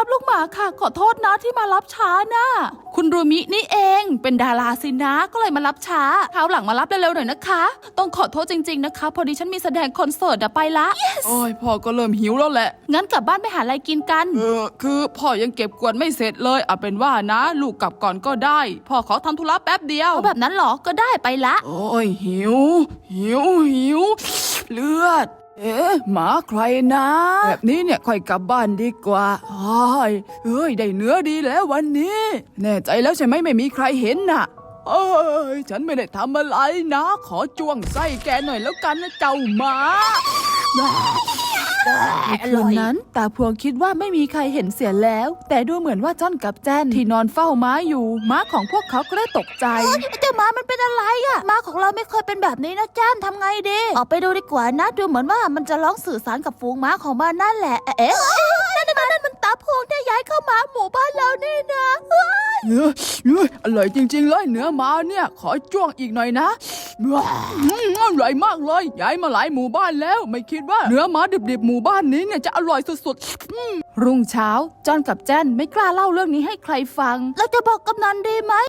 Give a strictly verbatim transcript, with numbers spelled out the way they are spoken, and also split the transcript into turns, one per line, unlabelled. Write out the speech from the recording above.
ครับลูกหมาค่ะขอโทษนะที่มารับช้านะคุณรูมินี่เองเป็นดาราสินะก็เลยมารับช้าคราวหลังมารับเร็วๆหน่อยนะคะต้องขอโทษจริงๆนะคะพอดีฉันมีแสดงคอนเสิร์ตอะไปละ yes.
โอ้ยพ่อก็เริ่มหิวแล้วแหละ
งั้นกลับบ้านไปหาอะไรกินกัน
เออคือพ่อยังเก็บกวาดไม่เสร็จเลยเอาเป็นว่านะลูกกลับก่อนก็ได้พ่อขอทำธุระแป๊บเดียว
เอาแบบนั้นหรอก็ได้ไปละ
โอ้ยหิวหิวหิวเลือดเอ๊ะหมาใครนะแบบนี้เนี่ยค่อยกลับบ้านดีกว่าโอ้ยเอ้ยได้เนื้อดีแล้ววันนี้แน่ใจแล้วใช่ไหมไม่มีใครเห็นน่ะเอ้ยฉันไม่ได้ทำอะไรนะขอจ้วงไส้แกหน่อยแล้วกันนะเจ้าหมา
คืนนั้นตาพวงคิดว่าไม่มีใครเห็นเสียแล้วแต่ดูเหมือนว่าจ้อนกับแจ้นที่นอนเฝ้าม้าอยู่ม้าของพวกเขาก็ได้ตกใจเจ้าม้ามันเป็นอะไรอะม้าของเราไม่เคยเป็นแบบนี้นะจ้นทำไงดีออกไปดูดีกว่านะดูเหมือนว่ามันจะร้องสื่อสารกับฝูงม้าของมันนั่นแหละเอ๊ะนั่นนั่นมันตาพวงที่ย้ายเข้ามาหมู่บ้านเรานี่นะ
เนื้อเนื้ออร่อยจริงๆเลยเนื้อม้าเนี่ยขอจ้วงอีกหน่อยนะอร่อยมากเลยย้ายมาหลายหมู่บ้านแล้วไม่คิดว่าเนื้อม้าดิบๆหมู่บ้านนี้เนี่ยจะอร่อยสุด
ๆรุ่งเช้าจอนกับแจ้นไม่กล้าเล่าเรื่องนี้ให้ใครฟังแล้วจะบอกกำนันดีไหม